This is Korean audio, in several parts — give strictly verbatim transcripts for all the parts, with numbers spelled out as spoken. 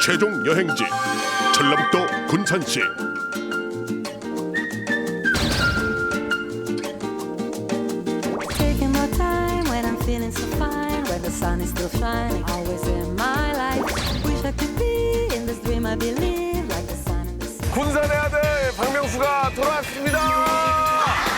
최종 여행지 전라북도 군산시. Taking my time when I'm feeling so fine, when the sun is still shining, always in my life. Wish I could be in this dream I believe, like the sun in the sea. 군산의 아들 박명수가 돌아왔습니다.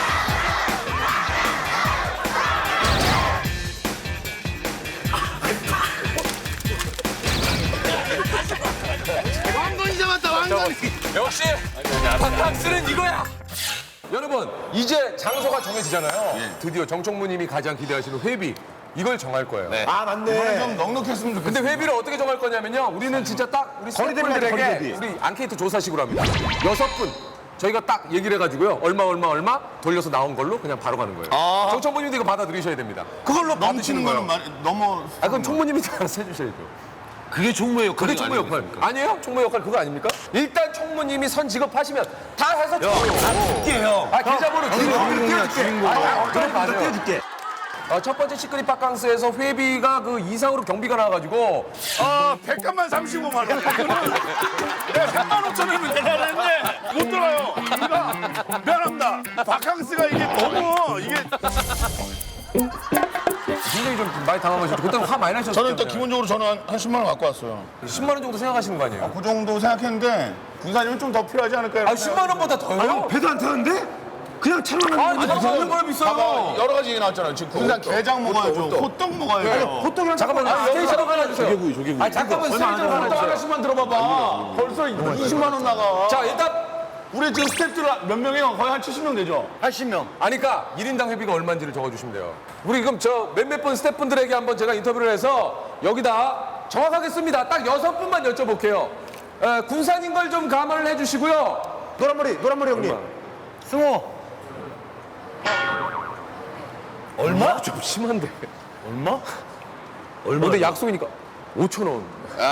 왕건이 잡았다, 왕건이. 역시 바캉스는 이거야. 여러분 이제 장소가 정해지잖아요. 드디어 정총무님이 가장 기대하시는 회비 이걸 정할 거예요. 아, 맞네. 좀 넉넉했으면 좋겠어. 근데 회비를 어떻게 정할 거냐면요. 우리는 진짜 딱 우리 스태프분들에게 우리 앙케이트 조사식으로 합니다. 여섯 분 저희가 딱 얘기를 해가지고요. 얼마 얼마 얼마 돌려서 나온 걸로 그냥 바로 가는 거예요. 아. 정총무님도 이거 받아들이셔야 됩니다. 그걸로 넘치는 거는 말, 넘어. 아 그럼 총무님이 알아서 해주셔야죠. 그게 총무의 역할이 그게 총무 역할 아니에요? 총무 역할 그거 아닙니까? 일단 총무님이 선 직업하시면 다 해서 총무. 형. 아 계좌번호 주인공이야 주인공. 아, 그럼 맞아요. 띄워줄게. 어, 첫 번째 시크릿 바캉스에서 회비가 그 이상으로 경비가 나와가지고 아, 백간만 삼십오만 원. 내가 백만 오천 원을 계산했는데 못 들어요. 우리가 미안합니다. 바캉스가 이게 너무 이게. 굉장히 좀 많이 당황하셨죠. 그때 화 많이 나셨죠. 저는 일단 기본적으로 저는 한, 한 십만 원 갖고 왔어요. 십만 원 정도 생각하시는 거 아니에요? 그 정도 생각했는데 군산이면 좀 더 필요하지 않을까요? 아 십만 원보다 더요? 배도 안 타는데? 그냥 차로 아니 잠깐만 얼마나 봐봐, 비싸요? 여러 가지 얘기 나왔잖아요. 지금 군산 게장 먹어야죠. 호떡 먹어야죠. 호떡이랑 잠깐만 스테이션 하나 주세요. 조개구이 조개구이. 아 잠깐만 스테이션 하나 호떡 주세요. 하나씩만 들어봐봐. 벌써 이십만 원 나가. 자 일단 우리 지금 스태프들 몇 명이요? 거의 한 칠십 명 되죠? 팔십 명. 아니 그러니까 일 인당 회비가 얼마인지를 적어주시면 돼요. 우리 그럼 저 몇몇 분 스태프분들에게 한번 제가 인터뷰를 해서 여기다 정확하게 씁니다. 딱 여섯 분만 여쭤볼게요. 에, 군산인 걸 좀 감안을 해주시고요. 노란머리, 노란머리 형님. 승호. 얼마? 좀 심한데. 얼마? 얼마? 근데 약속이니까 오천 원.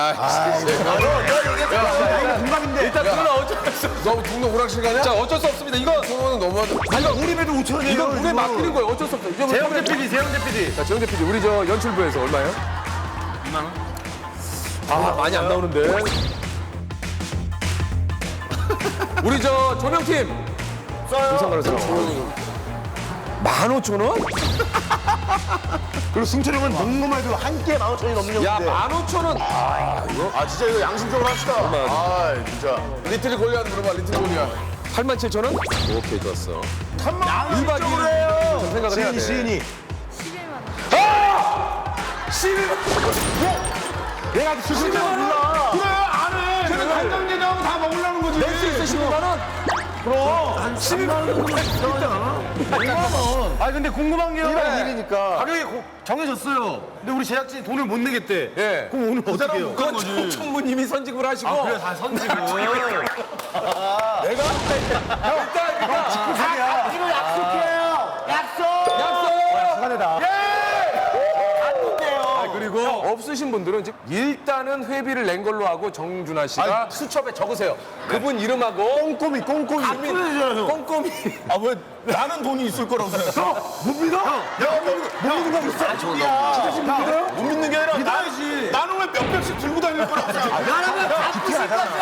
공감인데. 일단 그건 어쩔 수 없어. 너무 동네 오락실 가냐? 자 어쩔 수 없습니다. 이거 그거는 너무하다. 아니, 우리 배도 오천 원이에요. 이거 물에 맡기는 거예요. 어쩔 수 없어. 이제 재영재 피디, 재영재 피디. 자 재영재 피디 우리 저 연출부에서 얼마예요? 이만 원. 아 많이 안 나오는데. 우리 저 조명팀. 써요. 만 오천 원? 그리고 승철 형은 농구만 해도 한 끼에 만 오천이 넘는 야, 형인데. 만 오천 원. 아, 진짜 이거 양심적으로 합시다. 아, 진짜. 리틀 골리앗 물어봐, 리틀 골리앗. 팔만 칠천 원? 오케이, 좋았어. 삼만 일 박 이 일 좀 생각을 해야 돼. 시인이. 십일만 원. 내가 수십만 원 몰라. 그래, 안 해. 그래, 간장게장 다 먹으려는 거지. 낼수 있어, 십오만 원? 십이만 원 정도 있잖아. 오만 원. 아 근데 궁금한 게요. 일박 이일이니까 가격이 고- 정해졌어요. 근데 우리 제작진이 돈을 못 내겠대. 예. 그럼 오늘 어떻게 해요? 그건 청- 청무님이 선직을 하시고. 아, 그래 다 선직을. 내가? 일단, 일단. 이거 약속해요. 약속. 약속! 시간에다. 아, 그리고 없으신 분들은 지금 일단은 회비를 낸 걸로 하고 정준하 씨가 수첩에 적으세요. 그분 이름하고 꼼꼼히 꼼꼼히. 다 뿌려주잖아요. 꼼꼼히. 아, 왜 나는 돈이 있을 거라고 생각해? 못 믿어? 야, 못 믿는 거 있어? 야, 진짜 지금 못 믿어요? 못 믿는 게 아니라 믿어야지. 나, 나는 왜 몇백씩 들고 다닐 거라고 생각해? 나라면 다 부실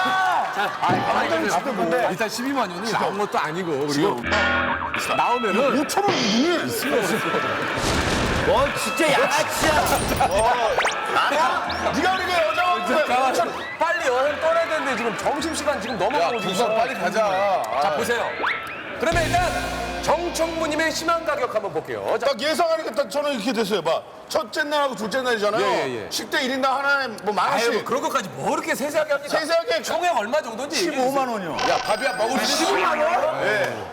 거야. 일단 십이만 원이 나온 것도 아니고 그리고 나오면은 오천 원 눈에 와, 진짜 양아치야. 네가 우리가 여자한테 자, 빨리 여행 떠나야 되는데 지금 점심시간 지금 넘어가고 있어. 군산 빨리 가자. 자 보세요. 그러면 일단 정청무님의 심한 가격 한번 볼게요. 자, 딱 예상하니까 딱 저는 이렇게 됐어요. 봐. 첫째 날하고 둘째 날이잖아요. 예, 예, 예. 식대 일 인당 하나에 뭐 만 아유, 원씩. 뭐 그런 것까지 뭐 이렇게 세세하게 합니까? 세세하게 총액 얼마 정도인지 얘기해 주세요. 십오만 원이요. 야, 밥이야 먹을 수 있어. 십오만 원? 네.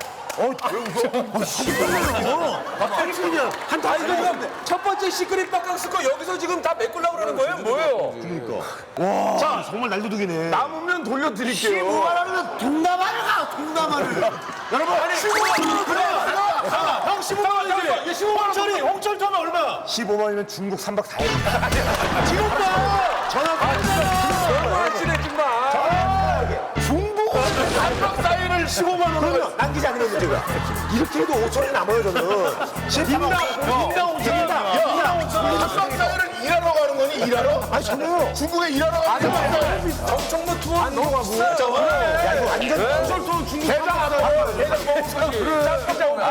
한 다 이거 지금 첫 번째 시크릿 바캉스 거 여기서 지금 다 메꾸려고 그러는 거예요? 뭐예요? 자, 정말 날도둑이네. 남으면 돌려드릴게요. 십오만 원이면 동남아를 가, 동남아를. 여러분, 십오만 원. 그래. 형 십오만 원이지. 이게 십오만 원. 홍철이, 홍철 타면 얼마야? 십오만 원이면 중국 삼 박 사 일. 지금 봐! 전화 받았어. 너무 친해 정말. 중국 삼 박 사 일을 오천을 십오만 원을 그러면 남기지 않는 문제가 이렇게 해도 오천 원이 남아요 저는. 인당 인당 오천이다. 인당 오천. 합방사회를 일하러 가는 거니 일하러? 아니 저는 중국에 일하러 가는 거니? 정청무 투어 안 넘어가고. 야 이거 완전 또 중국 대장 알아요. 대장 먹고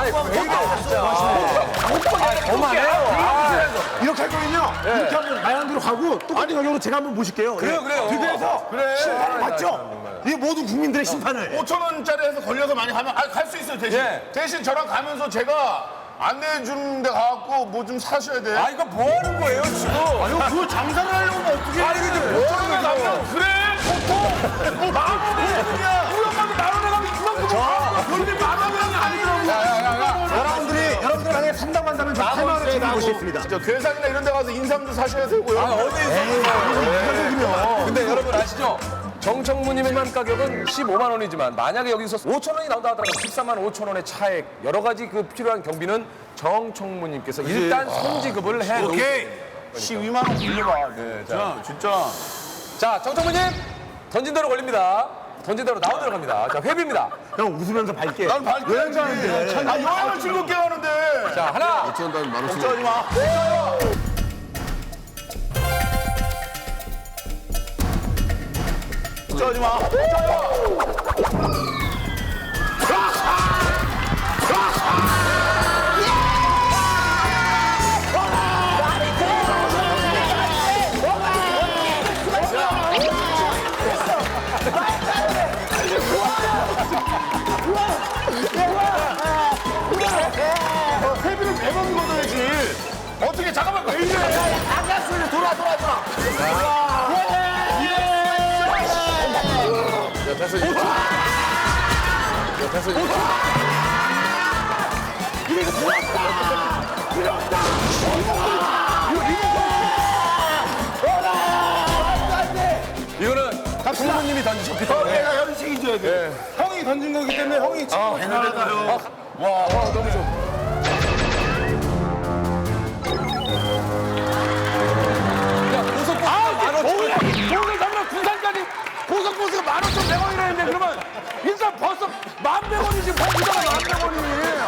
이렇게 할 거면요. 이렇게 하면 마양대로 가고 똑같은 가격으로 제가 한번 모실게요. 그래요, 그래요. 비교해서 심판을 맞죠? 이 모든 국민들의 심판을. 오천 원짜리 해서 걸려서 많이 가면 아, 갈 수 있어요 대신. 예. 대신 저랑 가면서 제가 안내해 주는 데 가갖고 뭐 좀 사셔야 돼. 아 이거 뭐 하는 거예요 지금? 아니 그거 장사를 하려면 어떻게? 아니 근데 뭐 하는 거예요? 그래 보통 뭐 만 원에 그냥 우리 엄마도 만 원에 가면 이만큼 그런데 만 원은 아니더라고. 여러분들이 여러분들 만약에 산다고 저 팔만 원에 드리고 싶습니다. 저 괴산이나 이런 데 가서 인삼도 사셔야 되고요. 아 어디서? 근데 여러분 아시죠? 정청무님의 가격은 십오만 원이지만 만약에 여기서 오천 원이 나온다 하더라도 십사만 오천 원의 차액 여러 가지 그 필요한 경비는 정청무님께서 일단 손지급을 해 놓으세요. 오케이. 십이만 원 빌려봐. 네, 자, 진짜. 자, 정청무님 던진 대로 걸립니다. 던진 대로 나온 대로 갑니다. 자, 회비입니다. 형 웃으면서 밝게. 난 밝게 여행 가는데. 아, 여행을 즐겁게 가는데. 자, 하나, 걱정하지 마. 걱정하지 마. 회비를 매번 걷어야지. 어떻게 잠깐만 왜 이래? 아가씨를 돌아 돌아 돌아. 야, 됐어. 이거. 야, 됐어. 이거. 이거는 부모님이 던지셨기 때문에. 내가 여기 책임져야 돼. 형이 던진 거기 때문에 형이 책임을 져야 돼요. 와, 와, 너무 좋아. 야, 고속버스가 만 오천 원. 오늘 가면 군산까지 고속버스가 만 오천 백 원이라는데 그러면 일단 벌써 만 백 원이지 버스가 만 백 원이.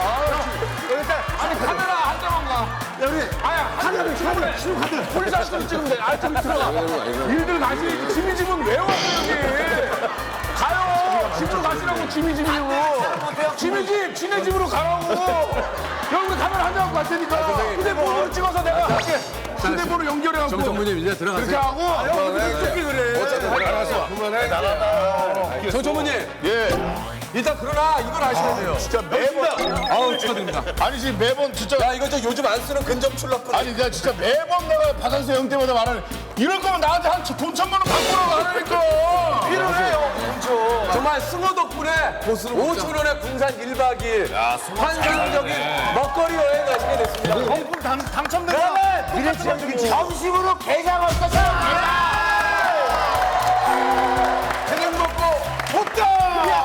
아니 카메라 한 대만 가. 야 우리 아야 카드 카드 신용카드. 폴리사이트로 찍으면 돼. 아 저기 들어가. 일들 가시 짐이 집은 왜 왔어 여기? 가요. 집으로 가시라고 짐이 집이고. 짐이 집 지네 집으로 가라고. 여기 우리 카메라 한 대 갖고 갈 테니까. 휴대폰으로 찍어서 내가 할게. 휴대폰으로 연결해갖고. 정청무님 이제 들어가세요. 그렇게 하고. 형 이렇게 그래. 어차피 나가서 그만해. 정청무님. 예. 일단 그러나 이걸 아셔야 돼요. 진짜 매번. 아우 축하드립니다. 아니 지금 매번 진짜. 야 이거 저 요즘 안 쓰는 근접 출납금. 아니 내가 진짜 매번 내가 박한수 형 때마다 말하는 이럴 거면 나한테 한 돈 천만 원 갖고 오라고 하라니까. 필요해요. 정말 승호 덕분에 오천 원의 군산 일 박 이 일 환상적인 먹거리 여행 가시게 됐습니다. 경품 당, 당첨된다. 미래지향적인 점심으로 게장 왔었어. 게장 먹고 볶다.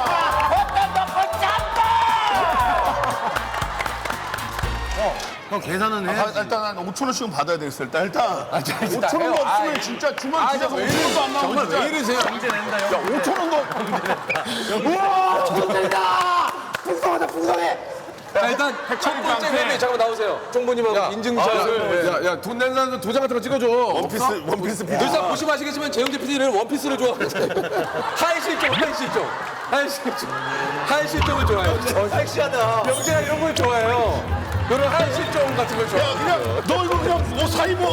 형 계산은 해. 아, 일단 한 오천 원씩은 받아야 되겠어. 일단 일단 오천 해요. 원 없으면 아이. 진짜 주말 아, 뒤져서 왜 오천 원도 안 나오고 정말 진짜. 왜 이러세요? 야 오천 원도. 우와 정말이다. 풍성하다 풍성해. 자, 일단 첫 번째 회비 잠깐만 나오세요. 총무님하고 인증샷을. 야, 야, 돈 낸 사람 도장 같은 거 찍어줘. 원피스 원피스 피. 늘상 보시면 아시겠지만 재영재 피디는 원피스를 좋아하거든요. 하이 실종, 하이 실종. 하이 실종. 하이 실종을 좋아해요. 섹시하다. 영재가 이런 걸 좋아해요. 이런 하이 실종 같은 걸 야 좋아해요. 그냥 너 이거 그냥 옷 사 입어.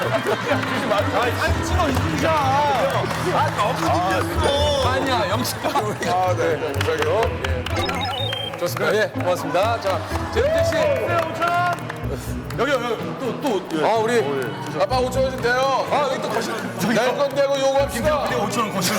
아니 찍어 인증샷. 아 너무 느꼈어. 아니야, 영재가. 아, 네. 감사해요. 좋습니다. 예, 고맙습니다. 자, 재영재 씨. 여기, 여기, 또, 또. 아, 우리. 아빠 오천 원 준대요. 아, 여기 또 거실. 낼 건 내고 요구합시다. 오천 원 거실.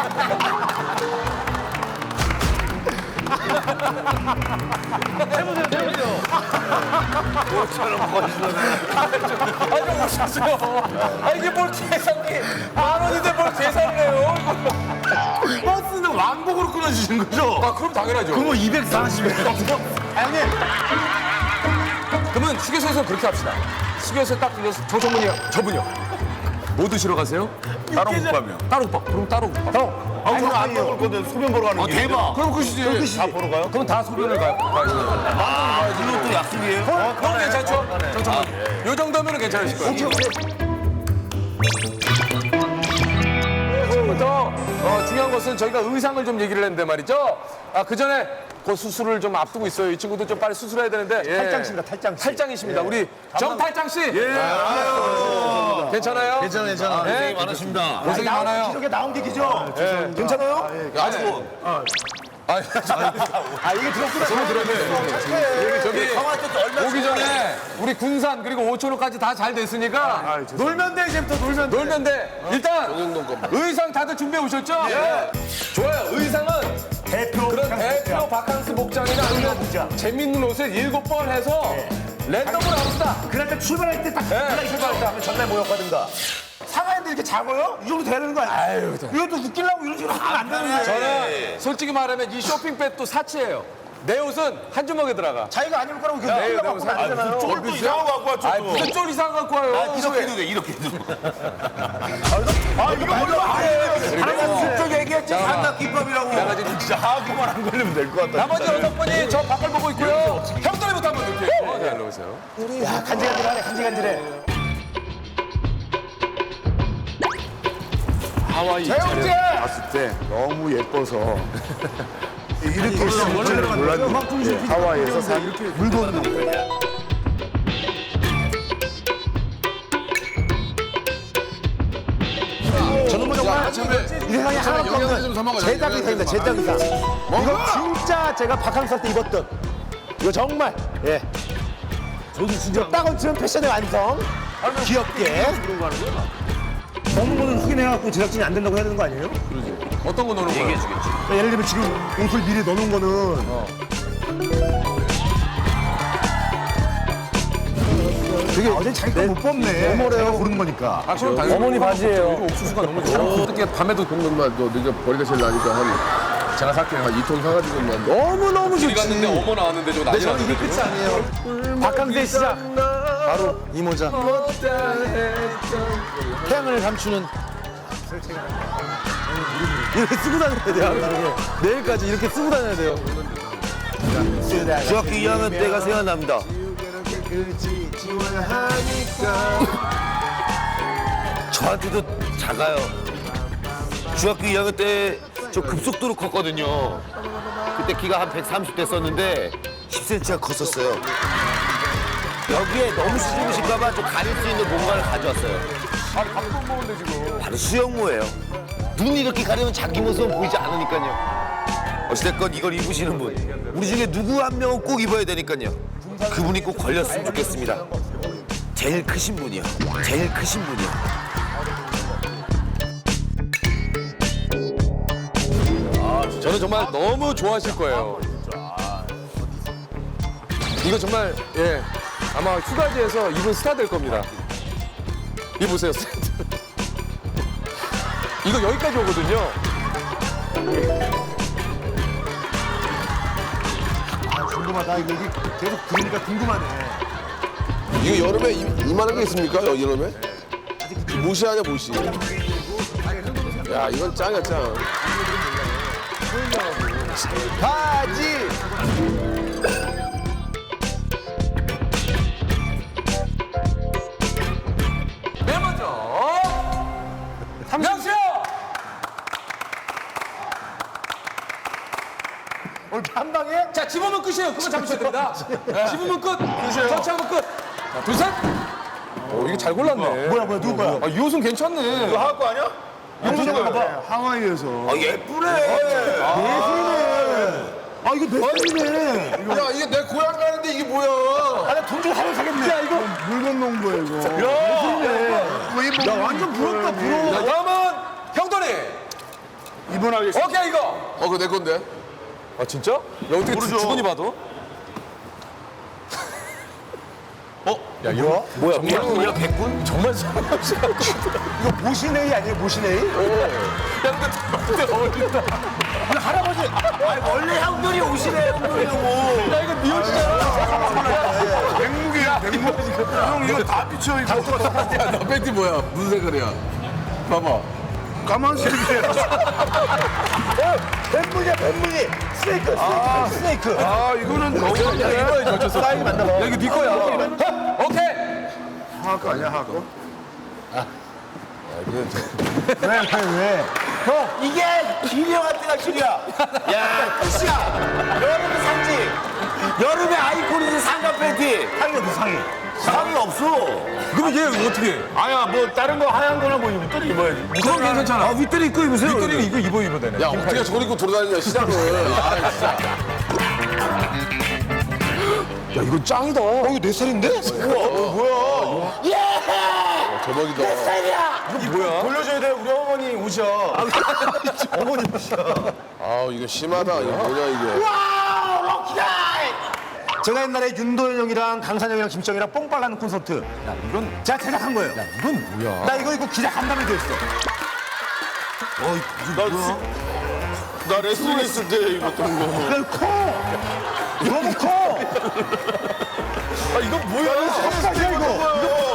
아, 좀 오셨어요. 아, 이게 뭘 계산기. 만 원인데 뭘 계산을 해요. 버스는 왕복으로 끊어주신 거죠? 아, 그럼 당연하죠. 그럼 이백사십 원. 아니 그러면 휴게소에서 그렇게 합시다. 휴게소에 딱 들려서 저 전문이요. 저분이요. 뭐 드시러 가세요? 따로 못 가면. 따로 국밥. 그럼 따로 국밥. 아, 오늘 안 먹을 건데 소변 보러 가는 게. 대박. 그럼 끝이지. 다 보러 가요? 그럼 다 소변을 가, 가야지. 아, 이것도 약속이에요? 그럼 그럼 괜찮죠? 잠깐만. 요 정도면 괜찮으실 거예요. 지금부터 어, 중요한 것은 저희가 의상을 좀 얘기를 했는데 말이죠. 아, 그 전에 그 수술을 좀 앞두고 있어요. 이 친구도 좀 빨리 수술해야 되는데. 예. 탈장씨입니다, 탈장씨. 탈장이십니다. 우리 정탈장 씨. 예. 괜찮아요? 괜찮아, 괜찮아. 네. 고생이 많으십니다. 고생이 많아요. 기록에 나온 얘기죠? 괜찮아요? 아주. 아, 아, 이게 들었구나. 저는 들었네. 저기 오기 전에 우리 군산 그리고 오천호까지 다 잘 됐으니까 놀면 돼, 이제부터 놀면 돼. 놀면 돼. 일단 의상 다들 준비해 오셨죠? 예. 좋아요. 의상은 대표. 그런 그냥 대표 바캉스 복장이나 아니면 복장. 재밌는 옷을 일곱 번 해서 랜덤으로 합시다. 그날 때 출발할 때딱 네, 출발할 때 하면 전날 모였거든가. 상하인데 이렇게 작아요? 이 정도 돼야 되는 거 아니에요? 이것도 웃기려고 이런 식으로 하면 안 되는데. 저는 솔직히 말하면 이 쇼핑백도 사치예요. 내 옷은 한 주먹에 들어가. 자기가 안 입을 거라고 이렇게 네, 웃기려고 네, 갖고 안 되잖아요. 쫄도 이상한 거 갖고 왔죠. 아, 무슨 쫄 이상 갖고 와요. 이렇게 해도 돼, 이렇게 해도. 아, 이거 말도 안 돼. 하나 슬쩍 얘기했지. 한나 김밥이라고. 내가 지금 진짜 하고만 안 걸리면 될 것 같다. 나머지 여섯 분이 저 밖을 보고 있고요. 형들부터 한번 넣을게요. 어, 네, 넣으세요. 야, 간질간질하네, 간질간질해. 하와이 재영재! 봤을 때 너무 예뻐서 이렇게 있을 줄은 몰랐는데 하와이에서 산 물건 저는 뭐 정말 이 세상에 하나도 없는 제작 의상입니다, 제작 의상. 이거 진짜 제가 바캉스 할 때 입었던. 이거 정말, 예. 저도 진짜 딱 얹히는 패션의 완성. 귀엽게. 먹는 거는 확인해갖고 제작진이 안 된다고 해야 되는 거 아니에요? 어떤 거 넣는 거예요? 그러니까 예를 들면 지금 옷을 미리 넣어놓은 거는 되게 어제 자기가 못 뽑네. 어머래요. 고른 거니까. 아, 그럼 당연히 어머니 바지예요. 옥수수가 너무 좋아. 어떻게 밤에도 정도만 너 네가 머리가 제일 나니까 한 제가 살게요. 이 통 사가지고만 너무 너무 좋지. 갔는데 어머 나왔는데 저거 난리 났는데. 끝이 아니에요. 바캉스의 시작. 바로 이 모자. 태양을 감추는. 이렇게 쓰고 다녀야 돼요. 하루 종일. 내일까지 이렇게 쓰고 다녀야 돼요. 중학교 이 학년 때가 생각납니다. 저한테도 작아요. 중학교 이 학년 때 저 급속도로 컸거든요. 그때 키가 한 백삼십 됐었는데 십 센티미터가 컸었어요. 여기에 너무 수줍으실까봐 좀 가릴 수 있는 공간을 가져왔어요. 아니, 밥도 못 먹는데 지금. 바로 수영모예요. 눈 이렇게 가리면 자기 모습은 보이지 않으니까요. 어찌됐건 이걸 입으시는 분, 우리 중에 누구 한 명은 꼭 입어야 되니까요. 그분이 꼭 걸렸으면 좋겠습니다. 제일 크신 분이요. 제일 크신 분이요. 저는 정말 너무 좋아하실 거예요. 이거 정말 예 아마 휴가지에서 이분 스타 될 겁니다. 이 보세요. 이거 여기까지 오거든요. 아, 궁금하다. 이거 여기 계속 들으니까 궁금하네. 이거 여름에 이, 이만한 게 있습니까? 여기 여름에? 무시 아니야 무시 야 이건 짱이야 짱 바지. 맨 먼저 명수요. 오늘 한 방에? 자 집으면 끝이에요. 그거 잡으셔야 됩니다. 집으면 끝. 터치하면 끝. 자, 둘 셋. 오 이거 잘 골랐네. 뭐야, 뭐야, 누구 거야? 아, 이 옷은 괜찮네. 이거 하고 아니야? 하와이에서 아 예쁘네. 아, 이거 내 손이네. 야 이게 내 고향 가는데 이게 뭐야 아, 나돈 주고 사면 사겠네. 야, 이거. 물건 놓은 거야 이거 야, 완전 부럽다, 부러워. 자, 다음은 형돈이. 입원하겠습니다 오케이 이거. 어 그거 내 건데 아 진짜? 야 어떻게 주, 주거니 봐도? 야, 이거? 뭐야 백군이야 백군? 정말 사람 없이 갖고 있더라. 이거 모시네이 아니에요, 모시네이? 야 근데 근데 어울린다. 할아버지. 아니 원래 형들이 오시네 형들이라고. 야 이거 네 옷이잖아. 백목이야 백목 형 이거 다 비춰 이거 야너 팬티 뭐야 무슨 색깔이야 봐봐 가만 스네이크야. 뱀무늬야 뱀무늬. 스네이크 스네이크 스네이크. 아, 이거는 너무 이거에 젖혔어. 사이즈 맞나 봐. 야, 이거 네 거야. 오케이. 하고 아니야 하고. 왜 왜 왜? 형 이게 길이 형한테가 길이야. 야 끝이야. 여름에 샀지. 여름에 아이콘이지 상가 팬티. 상이 어디 상이? 상이 없어. 그럼 얘 어떻게 해? 아야 뭐 다른 거 하얀 거나 뭐 윗돌이 입어야지. 그건 괜찮잖아. 아 윗돌이 입고 입으세요. 윗돌이는 이거 입어 입어 되네. 야 어떻게 저걸 입고 돌아다니냐 시장을. 아 진짜. 야 이거 짱이다. 어 이거 내 살인데? 우와 뭐야? 예! 대박이다. 이거 뭐야? 돌려줘야 돼. 우리 어머니 오셔. 어머니 오셔. 아 이거 심하다. 이거 뭐냐 이게. 와 럭키다. 제가 옛날에 윤도현 형이랑 강산이 형이랑 김정이랑 뽕빨라는 콘서트. 야 이건 제가 제작한 거예요. 야 이건 뭐야? 나 이거 입고 기자 간담회 됐어. 어 이거 뭐야? 나 레슬링 했을 때 입었던 거. 이거 커. 너무 커. 아, 이거 뭐야? 깜짝이야 이거.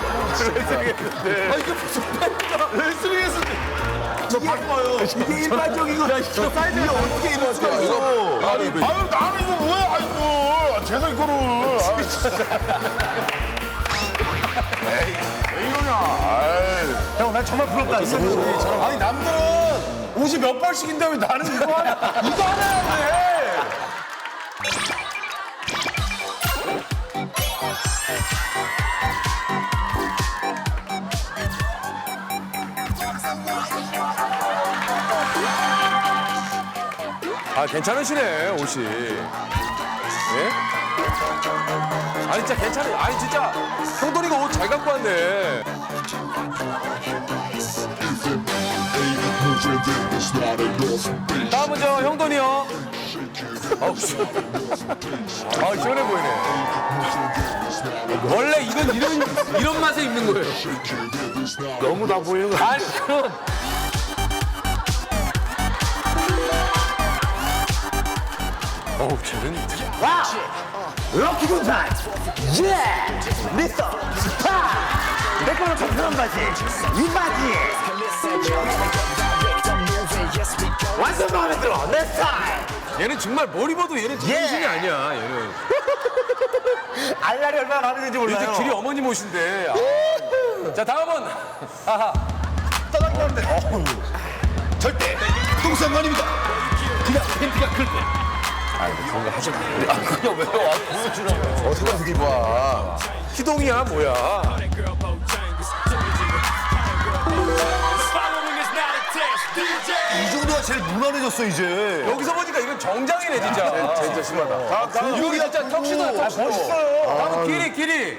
아, 이게 무슨 레슬링 했을 때. 저 바꿔요. 이게 일반적이고 저 사이즈가 어떻게 이럴 수가 있어? 아니 왜? 아유 나는 이거 뭐야? 아이고 제가 이거를. 왜 이러냐? 아이. 형 난 정말 부럽다. 아니 남들은 옷이 몇 벌씩인데 왜 나는 이거 하나 이거 하나 해? 아 괜찮으시네 옷이. 예? 아니 진짜 괜찮아요. 아니 진짜 형돈이가 옷 잘 갖고 왔네. 다음은 저 형돈이 형. 아우 씨. 아 시원해 보이네. 원래 이건 이런 이런 맛에 입는 거예요. 너무 다 보이는 거. 아니 그럼. 어우 쟤는 와! 럭키 군산! 예! 미스터 스파! 내 거는 정편한 바지! 이 바지! 완전 마음에 들어! 내 스타일! 얘는 정말 뭘 입어도 얘는 제정신이 예. 아니야 얘는. 알날이 얼마나 마음에 드는지 몰라요. 이제 길이 어머니 모신데. 아. 자 다음은 하하. 떠나기는데 어우. 절대 똥상관입니다. 그냥 팬티가 클 때. 그냥 왜 와? 보여주라고. 어디 가서 입어. 희동이야 뭐야? 이 정도가 제일 무난해졌어 이제. 여기서 보니까 이건 정장이네 진짜. 진짜 심하다. 이거 진짜 턱시도야 턱시도. 멋있어요. 다음 길이 길이.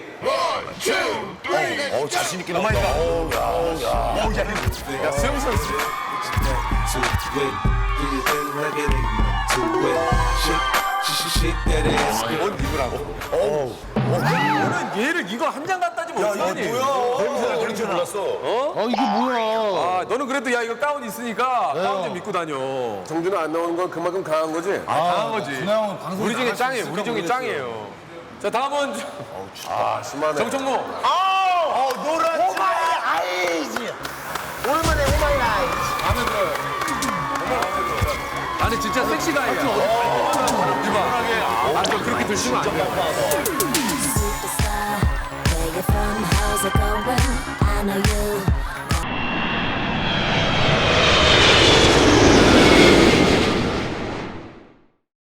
어 자신 있게 나온다. 야 수영 선수. 뭔 입으라고? 너는 얘를 이거 한 장 갖다 주면 어떡하니? 냄새를 그런 줄 몰랐어. 아 이게 뭐야? 아 너는 그래도 야 이거 가운 있으니까 가운 좀 입고 다녀. 정준은 안 나오는 건 그만큼 강한 거지? 강한 거지. 우리 중에 짱이에요. 우리 중에 짱이에요. 자 다음은 아 심하네. 정청모. 어, 노란 오마이 아이즈! 오랜만에 오마이 아이즈! 마음에 들어요. 정말 마음에 들어. 나는 진짜 섹시가이야. 이봐. 아, 저 그렇게 드시면 안 돼. Superstar, where you from? How's it going? I know you